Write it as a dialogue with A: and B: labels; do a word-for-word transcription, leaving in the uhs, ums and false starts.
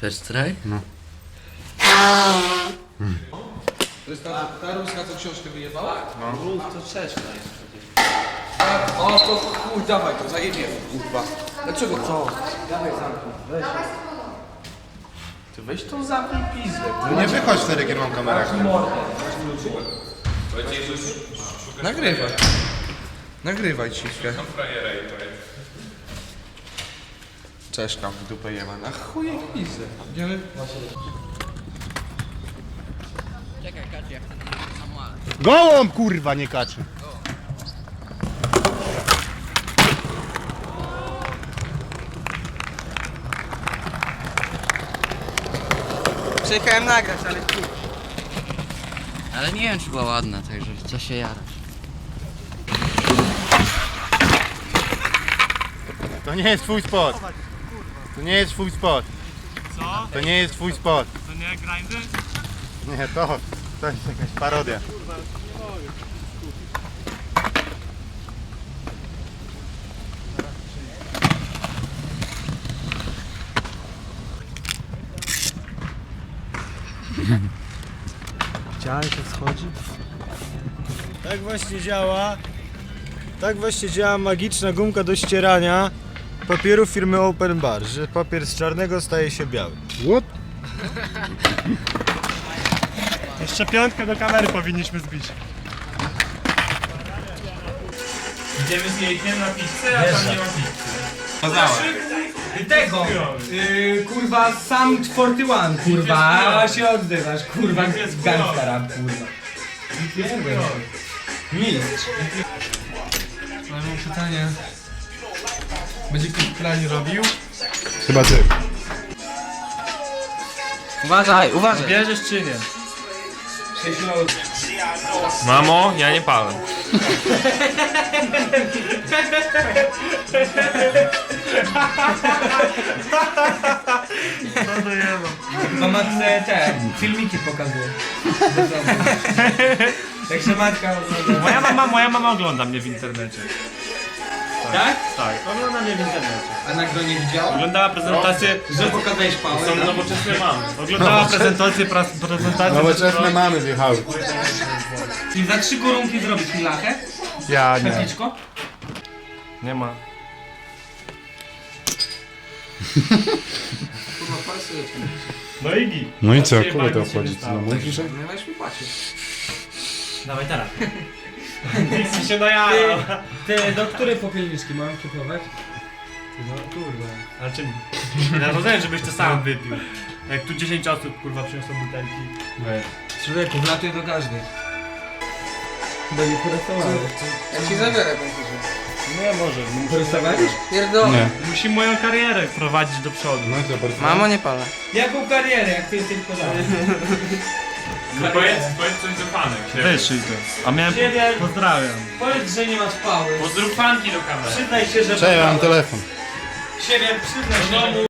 A: Chcesz straj?
B: No.
C: To jest ta, ta ruska, co książkę wyjebała?
A: No. To trzeć
C: O, to chuj, dawaj to, zajebiemy, kurwa. Dlaczego co? Dawaj zamknij, weź. Ty weź tą zamknij pizdę.
B: No nie wychodź wtedy, kiedy mam kamerę.
C: Nagrywaj. Nagrywaj ciszkę. Czeszka w dupę jema, na chuj jak pizdę. Idziemy?
A: Czekaj, Kacie, jak ten samochód.
B: Gołąb, kurwa, nie kaczy.
D: Przyjechałem nagrać, ale chuj.
A: Ale nie wiem, czy była ładna, także co się jarasz.
B: To nie jest twój spot. To nie jest twój spot.
E: Co?
B: To nie jest twój spot.
E: To nie grindy?
B: Nie, to, to jest jakaś parodia.
F: Widziałeś, jak schodzi? Tak właśnie działa. Tak właśnie działa magiczna gumka do ścierania papieru firmy Open Bar, że papier z czarnego staje się biały.
B: What?
E: Jeszcze piątkę do kamery powinniśmy zbić. Idziemy z jejkiem na pizzę, a tam nie ma pizzy.
D: Tego! Yy, kurwa, sam czwarty one, kurwa, a się odzywasz, kurwa, gangsta rap, kurwa. Mistrz.
C: Ale mam pytanie. Będzie ktoś pranie robił?
B: Chyba ty.
D: Uważaj, uważaj.
E: Bierzesz czy nie?
D: sześć minut.
E: Mamo, ja nie palę.
D: Mama te, te filmiki pokazuje. Także matka ogląda.
E: Moja mama, moja mama ogląda mnie w internecie.
D: Tak?
E: Tak, ogląda mnie w internecie.
D: A na gronie widział?
E: Oglądała prezentację,
D: Że pokazałeś pałę,
E: są
D: tak?
E: nowoczesne mamy. Oglądała prezentację, pras, prezentację.
B: Nowoczesne mamy wjechały.
D: I za trzy korunki zrobić mi lachę?
B: Ja nie.
D: Kapliczko?
E: Nie ma.
C: Kurwa, palce lecą.
E: No i git.
B: No i co,
E: Patrzcie,
B: kogo to
E: fajnie się
B: obchodzi?
E: wystało.
B: No mówisz, że...
C: Nie weź mi płacić.
E: Dawaj teraz. Nikt się najarał.
D: Ty, do której popielniczki mam kupować?
E: No kurwa. Ale czym? Ja rozumiem, żebyś to sam wypił. Jak tu dziesięć osób kurwa przyniosło butelki. Weź.
D: Człowieku, wlatuje do każdej. Bo nie porysowałeś.
C: Ja ci zabiorę komputer.
E: Nie może.
D: Porysowałeś?
C: Pierdolę.
B: Nie.
E: Musi moją karierę prowadzić do przodu.
B: No i to bardzo...
D: Mamo, nie palę. Jaką karierę, jak ty jesteś podany?
G: No powiedz, powiedz coś do fanek.
E: Wyszyj to. A miałem...
D: Siebie-
E: Pozdrawiam.
D: Powiedz, że nie masz pały.
G: Pozdrów fanki do kamery.
D: Przyznaj się, że...
B: Cześć, ja mam telefon.
D: Siebie przyznaj się, że...